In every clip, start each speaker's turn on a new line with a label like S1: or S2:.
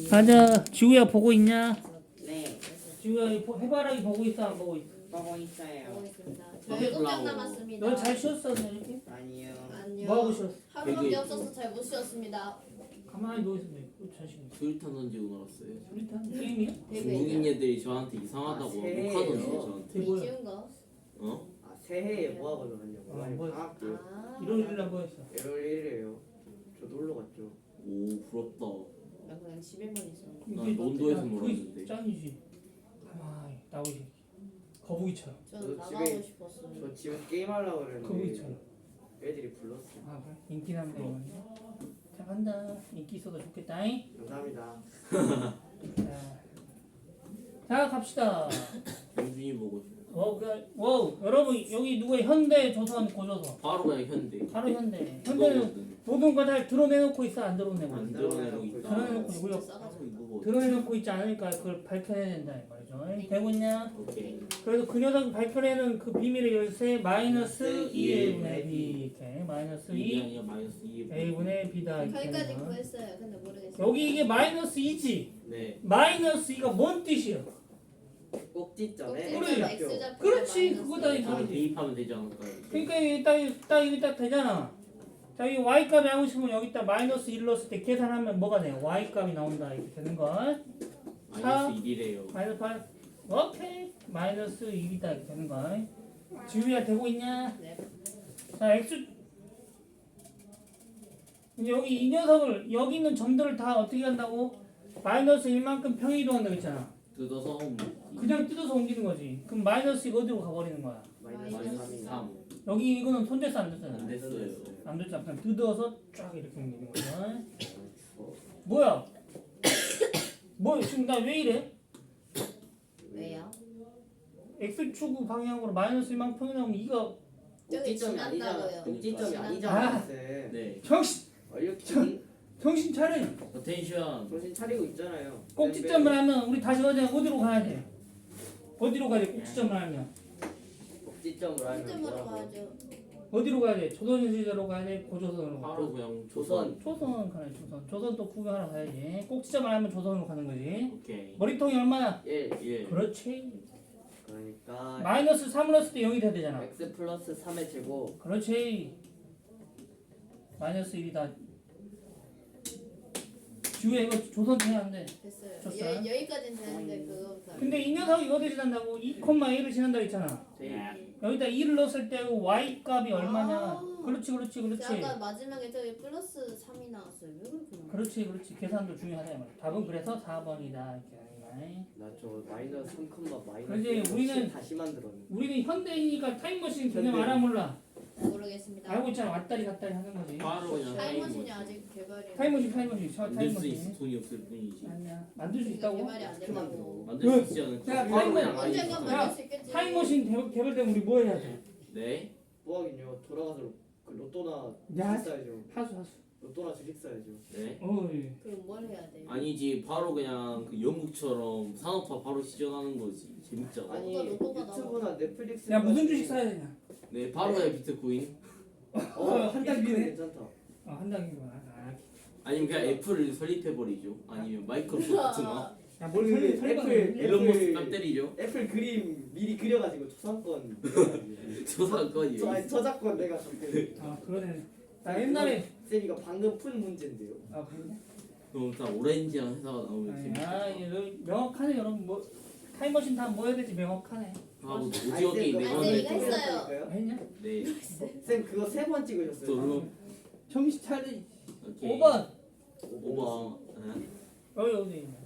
S1: 가자. 지우야 보고 있냐?
S2: 네,
S1: 지우야 해바라기 보고 있어 안 보고 있어?
S2: 보고 있어요.
S3: 보고 있습니다.
S1: 오케이,
S3: 7장 남았습니다.
S1: 너 잘 쉬었어 이렇게?
S2: 아니요.
S3: 아니요.
S1: 뭐 하고 쉬었어?
S3: 하루밖에 없어서 잘 못 쉬었습니다.
S1: 가만히 누워 있으면 잘 쉬는 거야.
S4: 수류탄 던지고 놀았어요.
S1: 수리탄 게임이야?
S4: 중국인 애들이 저한테 이상하다고
S2: 새해예요.
S4: 녹화 던져요 저한테.
S1: 뭐야?
S3: 지운 거.
S4: 어?
S2: 아, 새해에 뭐 하고 놀았냐고.
S1: 아, 뭐-
S2: 방학 때
S3: 아.
S1: 1월 1일 날 뭐했어?
S2: 1월 1일이에요. 저 놀러 갔죠.
S4: 오 부럽다.
S3: 나 그냥 집에만 있어.
S4: 난 논도에서 놀았는데.
S1: 짱이지. 가만히 나오지. 거북이처럼.
S3: 저는
S2: 너
S3: 나가고
S2: 집에-
S3: 싶었어요.
S2: 저 집에서 게임하려고 그랬는데
S1: 거북이처럼.
S2: 애들이 불렀어요.
S1: 아 그래? 인기 남자 이거야. 잘한다. 인기 있어도 좋겠다잉.
S2: 감사합니다.
S1: 자 갑시다.
S4: 영준이 보고 싶어.
S1: 와우 여러분 여기 누구의 현대 조선 고조선
S4: 바로 그냥 현대.
S1: 바로 현대. 현대는
S4: 이거거든.
S1: 모든 거 다 드러내놓고 있어 안 드러내고
S4: 안
S1: 있어?
S4: 드러내고 있다.
S1: 드러내놓고
S3: 진짜
S1: 있고요.
S3: 싸가지고.
S4: 이거 뭐?
S1: 드러내놓고 있지 않으니까 그걸 밝혀내야 된다 이 말이죠. 되고 있냐?
S4: 오케이.
S1: 그래서 그 녀석 발표되는 그 비밀의 열쇠 마이너스
S4: 마이너스
S1: 2A분의 B 이렇게 마이너스
S4: 2이
S1: 2
S4: 아니라 마이너스 2.
S1: A분의 B다 이렇게
S3: 거기까지
S1: 되는 거야.
S3: 구했어요. 근데 모르겠어요.
S1: 여기 이게 마이너스 2지
S4: 네.
S1: 마이너스 2가 뭔 뜻이야?
S2: 꼭지점에
S3: 꼭지점
S2: X좌표.
S3: X 좌표.
S1: 그렇지, 그거다, 이거.
S4: 저는 대입하면 되지 않을까요?
S1: 그러니까 이게 딱 되잖아. 자, 이 Y값이 하고 싶으면 여기다 마이너스 1 넣었을 때 계산하면 뭐가 돼요? Y값이 나온다 이렇게 되는 거.
S4: 마이너스 1이래요.
S1: 마이너스 8 오케이 마이너스 1이다 이렇게 되는 거. 지우야 되고 있냐?
S3: 네.
S1: 자 X 이제 여기 이 녀석을 여기 있는 점들을 다 어떻게 한다고? 마이너스 1만큼 평이동한다고 했잖아.
S4: 뜯어서
S1: 그냥 뜯어서 옮기는 거지. 그럼 마이너스 이거 어디로 가버리는 거야?
S2: 마이너스
S4: 마이너스
S2: 3이나.
S4: 3.
S1: 여기 이거는 손댔어 안 됐어?
S4: 안 됐어요.
S1: 안 됐잖아. 그냥 뜯어서 쫙 이렇게 옮기는 거야.
S2: 추워.
S1: 뭐야? 뭐 지금 나 왜 이래?
S3: 왜요?
S1: X축 방향으로 마이너스 1만큼 평이 나오면 이거
S3: 저기
S2: 꼭지점이 아니잖아.
S3: 지난다고요.
S2: 꼭지점이
S1: 아.
S2: 아니잖아. 쌤.
S4: 네.
S1: 정신 차려.
S4: 어텐션.
S2: 정신 차리고 있잖아요.
S1: 꼭지점을 하면 우리 다시 어디로 가야 돼? 어디로 가야 돼? 꼭지점을 하면
S2: 꼭지점으로 하면
S3: 꼭지점으로
S2: 뭐라고?
S3: 가야죠.
S1: 어디로 가야 돼? 조선시대로 가야 돼? 고조선으로 가야 돼?
S4: 바로 그냥
S2: 조선.
S1: 조선 가야 돼. 조선 또 구경하러 가야지. 꼭지점을 하면 조선으로 가는 거지.
S4: 오케이.
S1: 머리통이 얼마나?
S2: 1.
S4: 1.
S1: 그렇지.
S2: 그러니까
S1: 마이너스 3을 넣었을 때 0이 돼야 되잖아.
S2: x 플러스 3의 제곱.
S1: 그렇지. 마이너스 1이다. 지우야 이거 조선 해야 안 돼.
S3: 됐어요.
S1: 줬어요?
S3: 여기까지는 되는데 그거보다.
S1: 근데 이 녀석이 이거 대신한다고 2,1을 지난다 했잖아.
S2: 네.
S1: 여기다 2를 넣었을 때 y 값이 얼마냐?
S3: 아.
S1: 그렇지.
S3: 아까 마지막에 저기 플러스 3이 나왔어요. 왜 그렇게 나왔어요?
S1: 그렇지. 계산도 중요하다 이 말이야. 답은 그래서 4번이다 이렇게 하는 거야.
S2: 나저 마이너스 3, 마이너스.
S1: 그렇지, 우리는-
S2: 다시 만들었네.
S1: 우리는 현대인이니까 타임머신 개념 알아 몰라?
S3: 모르겠습니다.
S1: 알고 있잖아. 왔다리 갔다리 하는 거지.
S4: 바로 그냥
S3: 타임머신이 아직 개발이
S1: 타임머신
S4: 만들 수 있어.
S1: 타임머신.
S4: 돈이 없을 뿐이지.
S1: 아니야. 만들 수 있다고?
S3: 개발이 안 된다고.
S4: 만들 수 있지 않을까?
S1: 야,
S4: 바로 그냥
S1: 타임머-
S4: 아니.
S3: 언젠가
S1: 야,
S3: 만들 수 있겠지.
S1: 타임머신 개발되면 우리 뭐 해야 돼?
S4: 네.
S2: 뭐하긴요. 돌아가서 그 로또나
S1: 야.
S2: 주식 사야죠.
S1: 하수.
S2: 로또나 주식 사야죠.
S4: 네.
S1: 어이.
S3: 그럼 뭘 해야 돼?
S4: 아니지 바로 그냥 그 영국처럼 산업화 바로 시전하는 거지. 재밌잖아.
S2: 아니
S3: 로또가
S2: 유튜브나 넷플릭스.
S1: 야 무슨 주식 사야 되냐?
S4: 네 바로 그냥 비트코인.
S1: 한달
S2: 비트코인
S1: 뒤에.
S2: 괜찮다.
S1: 한 단계구나.
S4: 아니면 그냥 애플을 설립해버리죠. 아니면 마이크로소프트나
S1: 야뭘
S2: 그
S1: 설명?
S2: 애플-
S4: 일론 머스크 땀 때리죠.
S2: 애플 그림 미리 그려가지고 초상권.
S4: 저사건이에요.
S2: 아니 저작권 내가 갖고.
S1: 아 그러네. 나 옛날에
S2: 쌤 이거 방금 푼 문제인데요.
S1: 아 그러네.
S4: 그럼 다 오렌지랑 회사가 나오면 재밌겠다.
S1: 아 이거 명확하네 여러분 뭐 타임머신 다 뭐 해야 될지 명확하네.
S4: 하고
S2: 아니,
S4: 오징어
S2: 쌤,
S4: 게임
S2: 그거
S3: 아니,
S4: 내가
S3: 쌤, 이거 했어요.
S1: 했냐?
S4: 네.
S2: 쌤 그거 3번 찍으셨어요.
S4: 또
S1: 정신 차려.
S4: 오케이.
S1: 5번.
S4: 5번.
S1: 어디 있냐?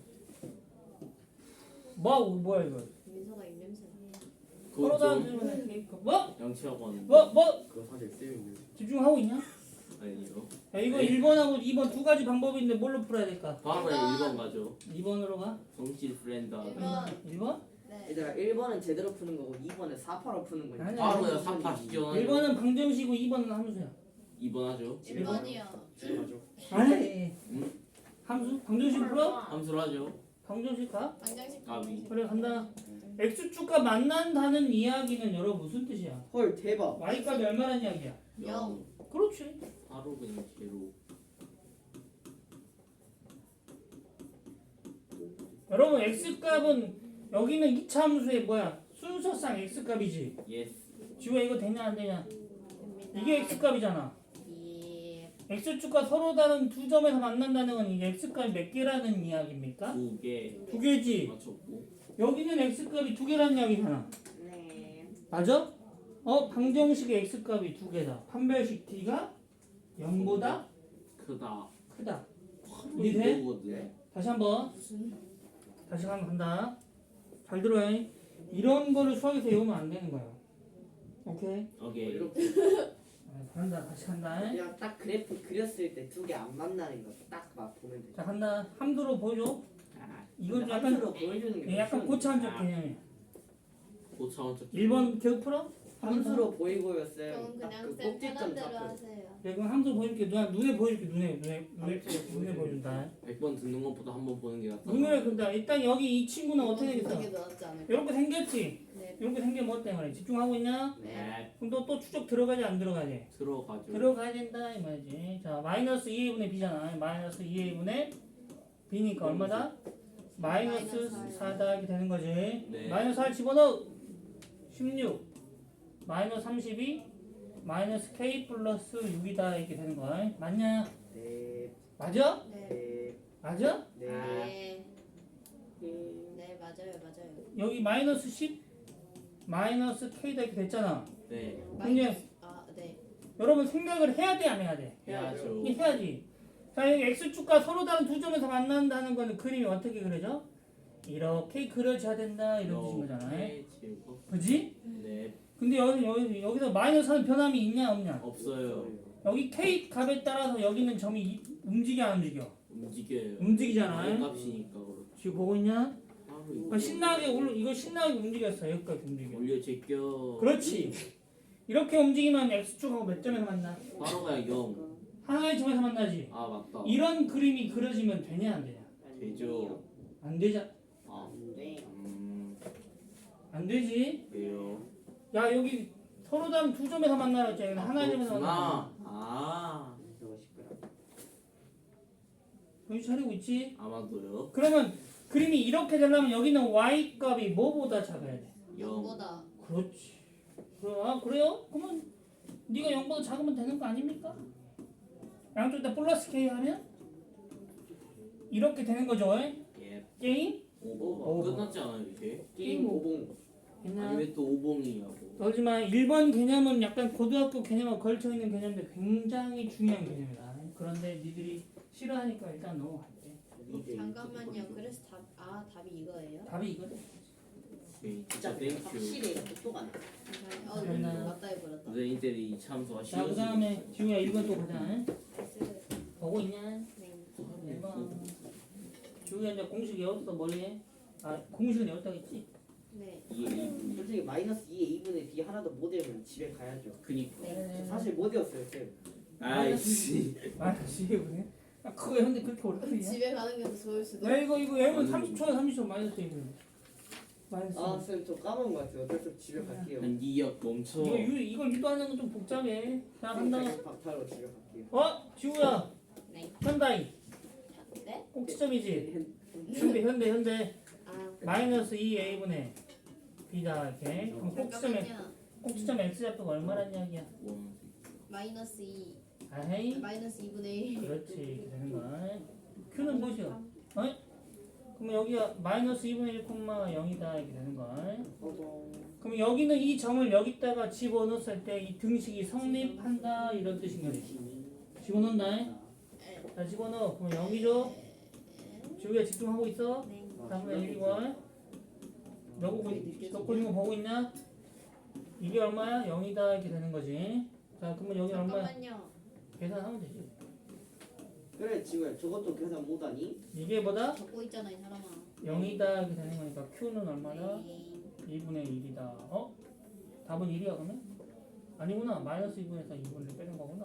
S1: 뭐야 이거?
S3: 민서가 입냄새.
S1: 코로나
S4: 그거 좀
S1: 때문에 케이크. 뭐?
S4: 양치하고 하는.
S2: 그거 사실 쌤인데.
S1: 집중하고 있냐?
S4: 아니요.
S1: 야 이거
S4: 네.
S1: 1번하고 2번 두 가지 방법이 있는데 뭘로 풀어야 될까?
S4: 바로 그냥 1번 가죠.
S1: 2번으로 가?
S4: 성질 프렌드.
S3: 1번.
S1: 1번?
S3: 네.
S2: 얘들아 1번은 제대로 푸는 거고 2번은 4파로 푸는 거니까.
S1: 아니야.
S4: 바로 그냥 3파 시전하죠.
S1: 1번은 방정식이고 2번은 함수야.
S4: 2번 하죠.
S3: 1번이요.
S2: 맞아.
S1: 아니.
S4: 응?
S1: 함수? 방정식 풀어?
S4: 함수를 하죠.
S1: 방정식 가?
S3: 방정식.
S4: 까비.
S1: 그래 간다. X축과 만난다는 이야기는 여러분 무슨 뜻이야?
S2: 헐 대박.
S1: Y값이 얼마라는 이야기야?
S3: 0.
S1: 그렇지.
S4: 바로 그냥 제로.
S1: 여러분 x값은 여기는 이차함수의 뭐야? 순서상 x값이지.
S4: 예스.
S1: 지우야 이거 되냐 안 되냐?
S3: 됩니다.
S1: 이게 x값이잖아.
S3: 예.
S1: x축과 서로 다른 두 점에서 만난다는 건 이게 x값이 몇 개라는 이야기입니까?
S4: 2개
S1: 두 개지.
S4: 맞췄고.
S1: 여기는 x값이 두 개라는 이야기잖아.
S2: 네.
S1: 맞아? 방정식의 x값이 두 개다. 판별식 t가 0보다
S4: 크다.
S1: 크다. 이해돼?
S4: 이거거든.
S1: 다시 한번.
S3: 무슨
S1: 다시 한번 간다. 잘 들어요. 이런 거를 수학에서 외우면 안 되는 거야. 오케이?
S4: 오케이.
S2: 이렇게
S1: 간다. 다시 간다.
S2: 그냥 딱 그래프 그렸을 때 두 개 안 만나는 거 딱 막 보면 돼.
S1: 자 간다. 함수로 보여줘.
S4: 아,
S1: 이건 좀
S2: 함수로
S1: 약간
S2: 보여주는 게
S1: 약간
S2: 쉬운데.
S1: 고차원적 개념이야.
S4: 고차원적.
S1: 1번 기억 풀어?
S2: 함수로 보이고요 쌤.
S3: 그럼
S2: 딱
S3: 그냥
S2: 그
S3: 쌤
S2: 꼭지점
S3: 편한 대로
S2: 잡혀.
S3: 하세요.
S1: 내가 함수 보여줄게. 눈에 보여줄게. 눈에 보여준다.
S4: 100번 듣는 것보다 한 번 보는 게 낫다.
S1: 눈에 근데 일단 여기 이 친구는 어떻게
S3: 이게
S1: 되겠어?
S3: 더 낫지 않을까?
S1: 이렇게 생겼지?
S3: 네.
S1: 이렇게 생기면 뭐 때문에? 집중하고 있냐?
S4: 네.
S1: 그럼 또 추적 들어가지 안 들어가지?
S4: 들어가죠.
S1: 들어가야 된다 이 말이지. 자 마이너스 2a분의 b잖아. 마이너스 2a분의 b니까 얼마다? 마이너스 4다 이렇게 되는 거지.
S4: 네.
S1: 마이너스 4 집어넣어. 16 마이너스 32 마이너스 k 플러스 6이다 이렇게 되는 거야. 맞냐?
S2: 네.
S1: 맞아?
S3: 네.
S2: 네.
S1: 맞아?
S2: 네.
S3: 네.
S2: 네.
S3: 네, 맞아요.
S1: 여기 마이너스 10 마이너스 k다 이렇게 됐잖아.
S4: 네.
S3: 마이너스 네.
S1: 여러분 생각을 해야 돼 안 해야 돼?
S4: 해야죠.
S1: 이게 해야지. 자 여기 x축과 서로 다른 두 점에서 만난다는 거는 그림이 어떻게 그려져? 이렇게 그려져야 된다 이런 뜻인 거잖아.
S4: 이렇게 지우고.
S1: 그지?
S4: 네.
S1: 근데 여기서 마이너스하는 변함이 있냐 없냐?
S4: 없어요.
S1: 여기 k 값에 따라서 여기는 점이 움직여 안 움직여?
S4: 움직여요.
S1: 움직이잖아.
S4: 값이니까 그렇죠.
S1: 지금 보고 있냐?
S4: 바로
S1: 신나게 이거 신나게 움직였어. 여기까지 움직여.
S4: 올려 제껴.
S1: 그렇지. 이렇게 움직이면 x축하고 몇 점에서 만나?
S4: 바로 가야 0.
S1: 하나의 점에서 만나지.
S4: 아 맞다.
S1: 이런 그림이 그려지면 되냐 안 되냐?
S4: 되죠.
S1: 안 되자.
S4: 아.
S2: 네.
S1: 안 되지.
S4: 왜요?
S1: 야 여기 서로 다른 두 점에서 만나라 했잖아. 여기는 하나의 점에서 만나.
S4: 아.
S2: 저거 시끄러.
S1: 정신 차리고 있지?
S4: 아마도요.
S1: 그러면 그림이 이렇게 되려면 여기는 y 값이 뭐보다 작아야 돼?
S4: 0.
S3: 0보다
S1: 그렇지. 그래요? 그러면 네가 0보다 작으면 되는 거 아닙니까? 양쪽 다 플러스 k 하면 이렇게 되는 거죠.
S4: 예.
S1: 게임?
S4: 오버. 끝났지 않아요 이제?
S2: 게임 오봉.
S1: 했나?
S4: 아니 왜 또 오봉이냐고.
S1: 떨지마. 1번 개념은 약간 고등학교 개념과 걸쳐있는 개념인데 굉장히 중요한 개념이다. 그런데 니들이 싫어하니까 일단 넘어갈게.
S3: 잠깐만요. 그래서 답이 이거예요?
S1: 답이 이거네.
S4: 오케이.
S2: 진짜
S4: 진짜 땡큐.
S2: 확실히 똑똑하네.
S1: 괜찮아.
S3: 맞다 해버렸다.
S4: 선생님들이 이 참수가
S1: 자, 그
S4: 싫어서.
S1: 다음에 지우야 1번 또 보자. 보고 있냐?
S3: 네.
S1: 1번. 지우야 이제 공식 외웠어. 머리에? 공식은 외웠다고 했지?
S3: 네.
S2: 솔직히 마이너스 2의 2분의 b 하나도 못 외우면 집에 가야죠.
S4: 그니까.
S2: 저 사실 못 외웠어요 쌤.
S4: 아이씨.
S1: 지우야. 그거 외웠는데 그렇게 어렵냐?
S3: 집에 가는 게 더 좋을 수도.
S1: 야 이거 외우면 30초 마이너스 1분. 마이너스 1분.
S2: 아 쌤 저 까먹은 것 같아요. 어쩔 수 없이 집에 갈게요.
S4: 한 2억 멈춰.
S1: 이걸 유도하는 건 좀 복잡해. 자 간다.
S2: 쌤 박탈로 집에 갈게요.
S1: 지우야.
S3: 네.
S1: 현다이.
S3: 네?
S1: 꼭지점이지? 현대.
S3: 아.
S1: 마이너스 2a분의 b다 이렇게. 그럼
S3: 잠깐만요.
S1: 꼭지점 x 좌표가 얼마란 이야기야?
S3: 마이너스 2.
S1: 아헤이.
S3: 마이너스 2분의 1.
S1: 그렇지 이렇게 되는 거야. q는 무엇이야? 그럼 여기가 마이너스 2분의 1,0이다 이렇게 되는 거야. 그럼 여기는 이 점을 여기다가 집어넣었을 때 이 등식이 성립한다 이런 뜻인 거지. 집어넣는다. 자 집어넣어. 그럼 0이죠? 지우야 집중하고 있어?
S3: 네.
S1: 다음에 1번. 너 그린 거 보고 있냐? 이게 얼마야? 0이다 이렇게 되는 거지. 자 그러면 여기 얼마야?
S3: 잠깐만요.
S1: 계산하면 되지.
S2: 그래 지우야 저것도 계산 못하니?
S1: 이게 뭐다?
S3: 적고 있잖아 이 사람아.
S1: 0이다 이렇게 되는 거니까 q는 얼마다?
S3: 네.
S1: 2분의 1이다. 답은 1이야 그러면? 아니구나. 마이너스 2분에서 2분을 빼는 거구나.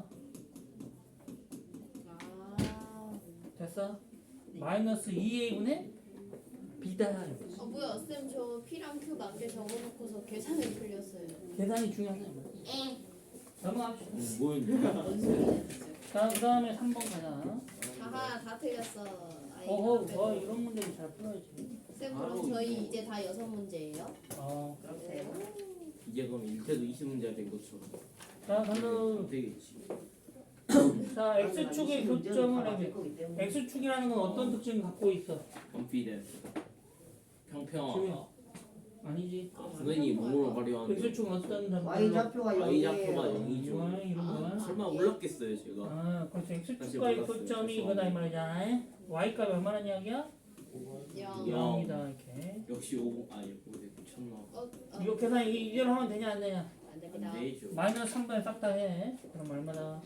S3: 아.
S1: 됐어? 마이너스 2a분의 b다.
S3: 뭐야 쌤 저 P랑 Q 맞게 적어놓고서 계산을 풀렸어요.
S1: 계산이 중요하다. 넘어갑시다.
S4: 뭐였냐?
S3: 뭔 소리야 진짜.
S1: 자, 그 다음에 3번 가자.
S3: 하하 다 틀렸어.
S1: 어허, 이런 문제는 잘 풀어야지.
S3: 쌤
S4: 바로
S3: 그럼 저희
S4: 이거.
S3: 이제 다 6문제예요?
S2: 그렇대요.
S4: 이제 그럼 1태도 20문제가 된 것처럼
S1: 자, 그럼
S4: 되겠지.
S1: 자, x축의 교점을 해야 돼. x축이라는 건 어떤 특징을 갖고 있어?
S4: 컨피던스 평평하다.
S1: 지우야. 아니지.
S4: 선생님이 몸으로 발휘하는데
S1: x축은 어떤
S2: Y 좌표가
S4: Y 좌표가
S2: 0이에요.
S4: 0이죠.
S1: 이런 거야?
S4: 설마 몰랐겠어요 제가.
S1: 아, 그렇죠. x축과의
S4: 몰랐어요.
S1: 교점이
S4: 죄송합니다.
S1: 이거다 이 말이잖아. y값이 얼마란 이야기야?
S3: 0.
S1: 0이다 이렇게.
S4: 역시 50 아니 50 미쳤나.
S1: 이거 계산 이대로 하면 되냐 안 되냐?
S3: 안 됩니다.
S4: 안 되죠.
S1: 마이너스 3분의 싹 다 해. 그럼 얼마다?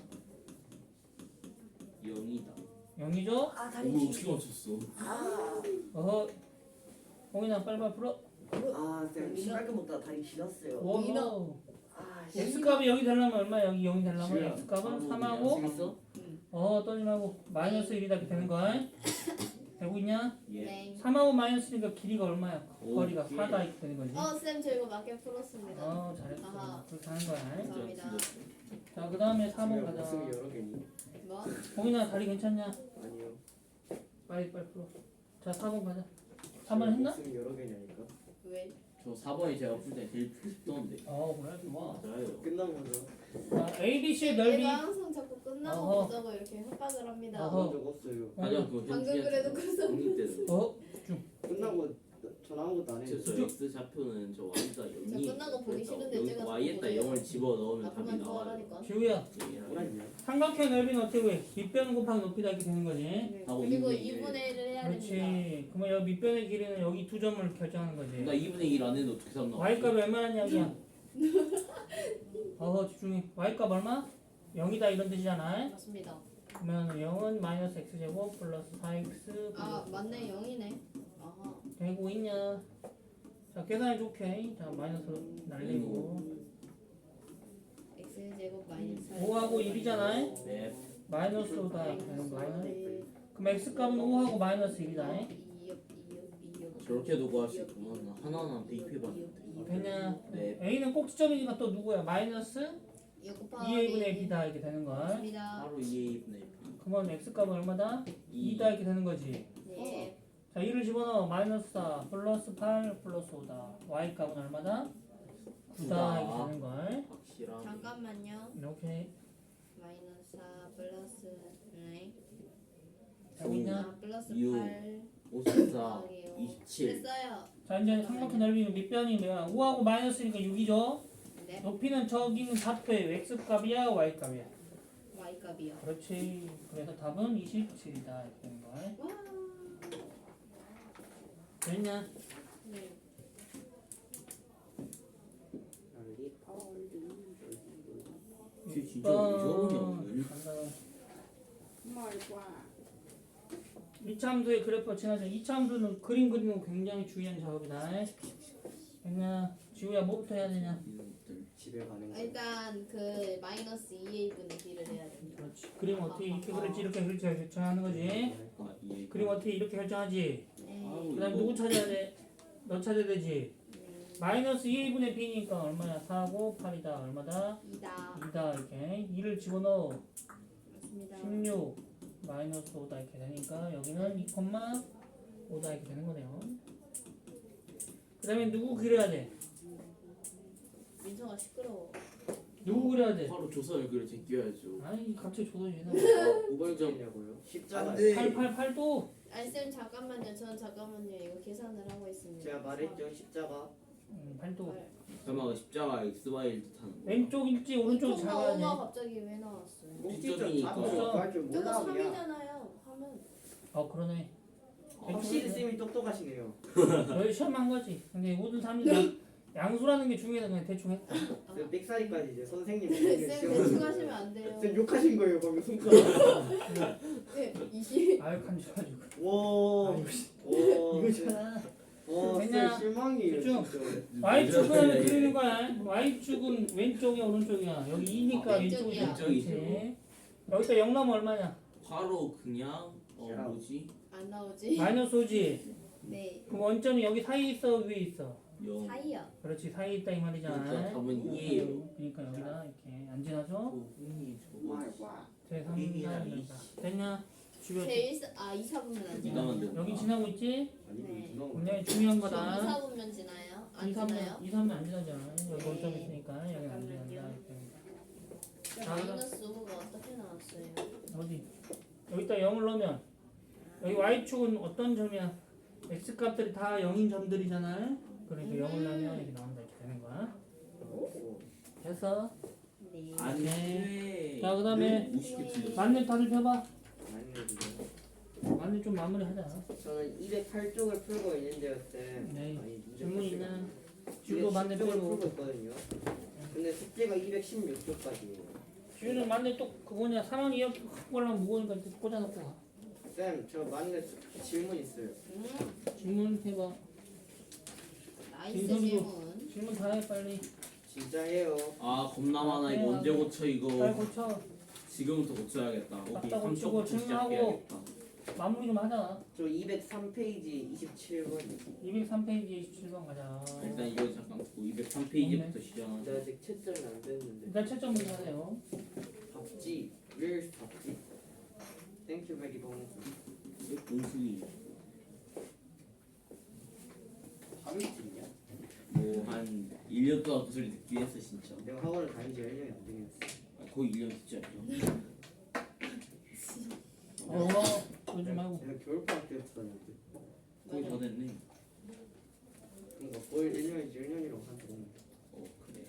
S4: 0이다.
S1: 0이죠?
S2: 아
S4: 오 어떻게 맞췄어?
S1: 어허. 홍인아 빨리빨리 풀어.
S2: 쌤 신발끈 먹다가 다리 길었어요.
S1: 오호.
S2: 아
S1: x값이 0이 되려면 얼마야? 여기 0이 되려면 x값은 3하고
S4: 있어?
S1: 떠지 말고 마이너스 1이다 이렇게 되는 거야. 되고 있냐?
S4: 예.
S3: 네.
S1: 3하고 마이너스니까 길이가 얼마야?
S4: 오,
S1: 거리가
S4: 예.
S1: 4다 이렇게 되는 거지.
S3: 쌤 저 이거 맞게 풀었습니다.
S1: 잘했어.
S3: 아하.
S1: 그렇게 하는 거야.
S3: 감사합니다.
S1: 자, 그 다음에 3번 가자.
S2: 목숨이 여러 개니?
S3: 뭐?
S1: 홍인아 다리 괜찮냐?
S2: 아니요.
S1: 빨리 풀어. 자, 4번 가자. 3번 했나?
S2: 목숨이 여러 개냐니까.
S3: 왜?
S4: 저 4번이 제가 풀 때 제일 쉽던데.
S1: 그래. 좋아.
S4: 맞아요.
S2: 끝난 거죠.
S1: 자, ABC의 넓이.
S3: 얘가 항상 자꾸 끝나고
S1: 어허.
S3: 보자고 이렇게 협박을 합니다.
S1: 어허.
S2: 그런 적 없어요.
S4: 아니요 그거
S3: 방금 그래도 그래서
S4: 공립 때는.
S2: 끝나고 전 아무것도 안 해요.
S4: 저 X 좌표는 저 Y가 0이
S3: 끝난 거 보기 싫은데 제가
S4: Y에다
S3: 자꾸
S4: 0을 집어 넣으면
S3: 나
S4: 답이
S3: 그만
S4: 나와요.
S3: 좋아하니까.
S1: 지우야.
S2: 뭐라냐?
S1: 삼각형 넓이는 어떻게 구해? 밑변 곱하기 높이다 이렇게 되는 거지.
S4: 하고
S3: 그리고
S4: 2분의
S3: 2분의 1을 해야 됩니다.
S1: 그렇지. 그러면 여기 밑변의 길이는 여기 두 점을 결정하는 거지.
S4: 나 2분의 1 안 했는데 어떻게 삼나?
S1: y값이 얼마란 이야기야? 집중해. y값 얼마? 0이다 이런 뜻이잖아.
S3: 맞습니다.
S1: 그러면 0은 마이너스 x제곱 플러스 4x
S3: 아 맞네 0이네. 아하.
S1: 되고 있냐? 자, 계산해 좋게. 자, 마이너스 날리고.
S3: x제곱 마이너스
S1: 5하고 1이잖아.
S4: 네.
S1: 마이너스 5다 이렇게 되는 거야. 그럼 x값은 5하고 마이너스 1이다.
S4: 저렇게도 구할 수 있구만. 하나하나 대입해봤는데.
S1: 됐냐?
S4: 네.
S1: a는 꼭지점이니까 또 누구야? 마이너스 2a분의 b다 이렇게 되는 거야.
S3: 맞습니다.
S4: 바로 2A분의 B.
S1: 그러면 x값은 얼마다? 2다 이렇게 되는 거지.
S3: 네.
S1: 자, 2를 집어넣어. 마이너스 4 플러스 8 플러스 5다. y값은 얼마다? 9다 이렇게 되는 걸.
S4: 확실하게.
S3: 잠깐만요.
S1: 이렇게
S3: 마이너스 4 플러스 네.
S1: 되고 있냐?
S3: 아 플러스
S4: 6,
S3: 8
S4: 54,
S3: 더하기요.
S4: 27.
S3: 됐어요.
S1: 자, 이제 삼각형 넓이는 밑변이 뭐야? 5하고 마이너스니까 6이죠.
S3: 네.
S1: 높이는 저기 있는 좌표에 x값이야 y값이야.
S3: y값이요.
S1: 그렇지. 그래서 답은 27이다 이렇게 되는 걸.
S3: 와.
S1: 됐냐?
S3: 네.
S4: 쟤 진짜 무서우냐 오늘?
S1: 간다.
S3: 말과.
S1: 이차함수의 그래프가 지나죠. 이차함수는 그림 그리는 거 굉장히 중요한 작업이다. 됐냐? 지우야 뭐부터 해야 되냐?
S4: 이놈들.
S2: 집에 가는 거.
S3: 일단 그 마이너스 2a분의 b를 해야 됩니다.
S1: 그렇지. 그림 어떻게 이렇게 그릴지 이렇게 그릴지 결정하는 거지.
S4: 아, 예.
S1: 그림 어떻게 이렇게 결정하지.
S3: 네.
S4: 아우,
S1: 그다음
S4: 이거
S1: 누구 찾아야 돼? 너 찾아야 되지. 마이너스 2a분의 b니까 얼마야? 4고 8이다. 얼마다?
S3: 2다.
S1: 2다 이렇게. 2를 집어넣어.
S3: 맞습니다.
S1: 16 마이너스 5다 이렇게 되니까 여기는 2,5다 이렇게 되는 거네요. 그 다음에 누구 그려야 돼?
S3: 민서가 시끄러워.
S1: 누구 그려야 돼?
S4: 바로 조선을 그려 제껴야죠.
S1: 아니 갑자기 조던이 나.
S2: 우발점이냐고요? 십자가.
S1: 888도
S3: 아니 쌤 잠깐만요. 전 잠깐만요. 이거 계산을 하고 있습니다.
S2: 제가 말했죠 십자가.
S1: 8도.
S4: 설마 십자가 XY를 뜻하는 거.
S1: 왼쪽 있지 오른쪽 잘 봐야
S3: 5가
S1: 돼.
S3: 갑자기 왜 나왔어요?
S4: 꼭지점이니까.
S2: 할줄
S3: 이거
S2: 몰라 그냥.
S3: 3이잖아요. 하면
S1: 그러네.
S2: 확실히 쌤이 똑똑하시네요.
S1: 너희 시험 한 거지. 근데 모든 사람들이 양수라는 게 중요해서 그냥 대충 했다.
S2: 쌤 백사이까지 이제 선생님
S3: 쌤 대충 하시면 안 돼요.
S2: 쌤 욕하신 거예요 방금 손가락.
S3: 네, 20.
S1: 아유 간지가지고.
S2: 와.
S1: 아이고,
S2: 와.
S1: 이거잖아.
S2: 와,
S1: 됐냐?
S2: 쌤 실망이에요
S1: 집중.
S2: 진짜.
S1: y축은 그리는 거야. y축은 왼쪽이야 오른쪽이야. 여기 2니까
S3: 왼쪽이야.
S1: 왼쪽이야. 그렇지. 여기다 0 나면 얼마냐?
S4: 바로 그냥 뭐지?
S3: 안 나오지?
S1: 마이너스 5지.
S3: 네.
S1: 그럼 원점이 여기 사이에 있어 위에 있어?
S4: 0.
S3: 사이요.
S1: 그렇지 사이에 있다 이 말이잖아.
S4: 그러니까 답은 2예요.
S1: 그러니까 여기다 이렇게 안 지나죠?
S4: 흥이 저거.
S1: 제3자 됐냐? 집에
S3: 제 2, 4분면 안
S4: 네가
S3: 지나요?
S4: 만든
S1: 여기
S4: 거야.
S1: 지나고 있지?
S2: 아니
S3: 네.
S2: 이거
S1: 굉장히 중요한
S3: 2,
S1: 거다.
S3: 4분면 지나요? 안 지나요?
S1: 2, 3면 안 지나잖아. 여기 원점 있으니까 여기 안 지난다. 이렇게.
S3: 마이너스 5가 어떻게 나왔어요?
S1: 어디? 여기다 0을 넣으면 여기 y축은 어떤 점이야? x 값들이 다 0인 점들이잖아. 그러니까 0을 넣으면 이렇게 나온다 이렇게 되는 거야. 됐어?
S3: 네.
S4: 안 돼.
S1: 자, 그다음에
S4: 50개 틀렸어.
S1: 만렙 다들 펴봐.
S2: 아니
S1: 만렙 좀 마무리하자.
S2: 저는 208쪽을 풀고 있는데요 쌤.
S1: 네.
S2: 아니,
S1: 질문 있나? 주도
S2: 210
S1: 만렙
S2: 쪽을
S1: 빼고.
S2: 풀고 있거든요. 근데 숙제가 216쪽까지예요.
S1: 주유는 만렙 또 그거냐 3학년 2학기 그걸랑 무거우니까 이렇게 꽂아놓고 가.
S2: 쌤, 저 만렙 질문 있어요.
S1: 질문 해봐.
S3: 나이스
S1: 인선이고.
S3: 질문.
S1: 질문 다 해 빨리.
S2: 진짜 해요.
S4: 아 겁나 많아. 이거 언제 고쳐
S1: 빨리
S4: 이거.
S1: 고쳐.
S4: 지금부터 고쳐야겠다. 오케이
S1: 딱딱 고치고
S4: 3초부터
S1: 질문하고.
S4: 시작해야겠다.
S1: 마무리 좀 하자.
S2: 저 203페이지 27번.
S1: 203페이지 27번 가자.
S4: 일단 이거 잠깐 203페이지부터 시작하자.
S2: 저 아직 채점이 안 됐는데.
S1: 일단 채점 문제 하세요.
S2: 밥지. Where's 밥지? Thank you very much.
S4: 공수기
S2: 밥이 있냐?
S4: 뭐한 1년 동안 그 소리 듣긴 했어 진짜.
S2: 내가 학원을 다닌 지 1년이 안 되긴 했어.
S4: 거의 1년 진짜.
S1: 그러지 말고.
S2: 내가 겨울방학 때부터 다녔는데.
S4: 거의 다 됐네.
S2: 그러니까 거의 1년이지 1년이라고 한동
S4: 그래.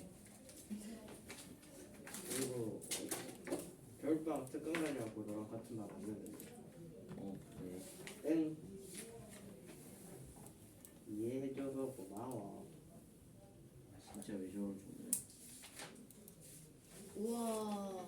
S2: 그리고 겨울방학 특강 다녀갖고 너랑 같은 말 안 듣는데.
S4: 그래.
S2: 땡. 이해해줘서 고마워.
S4: 진짜 왜 저럴 줄
S3: 우와.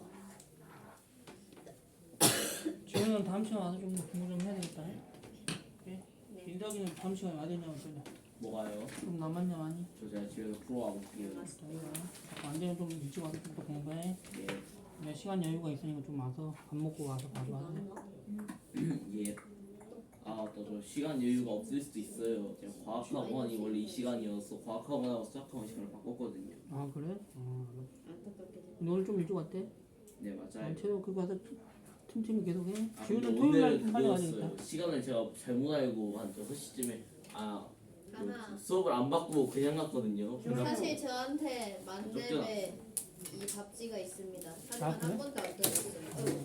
S1: 지훈은 다음 시간 와서 좀 공부 좀 해야 되겠다.
S3: 네.
S1: 민석이는 다음 시간에 와야겠냐 어쩌냐.
S4: 뭐가요?
S1: 좀 남았냐 많이?
S4: 저 제가 집에서 풀어와 볼게요.
S1: 자기가 안 되면 좀 일찍 와서 좀 더 공부해.
S4: 예.
S1: 근데 시간 여유가 있으니까 좀 와서 밥 먹고 와서 바로 하자.
S4: 예. 아, 또 저 시간 여유가 없을 수도 있어요. 제가 과학학원이 원래 이 시간이어서 과학학원하고 수학학원 시간을 바꿨거든요.
S1: 아 그래?
S3: 안타깝게
S1: 근데 오늘 좀 일찍 왔대?
S4: 네, 맞아요.
S1: 채도 그거 가서 틈틈이 계속 해.
S4: 아,
S1: 지훈은
S4: 근데
S1: 토요일 날
S4: 오늘은
S1: 좀 빨리 와야 되겠다.
S4: 그거였어요. 시간을 제가 잘못 알고 한 6시쯤에 그
S3: 하나.
S4: 수업을 안 받고 그냥 갔거든요.
S3: 사실 저한테
S4: 쫓겨나.
S3: 만렙에 이 밥지가 있습니다. 하지만
S1: 아, 그래?
S3: 한 번도 안 들었어요.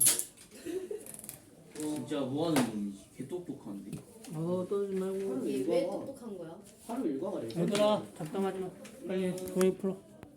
S4: 진짜 뭐 하는 놈이지? 개 똑똑한데.
S1: 떠들지 말고.
S3: 이게 왜 똑똑한 거야?
S2: 하루 일과가 내
S1: 얘들아 잡담하지 마. 빨리 조회 풀어.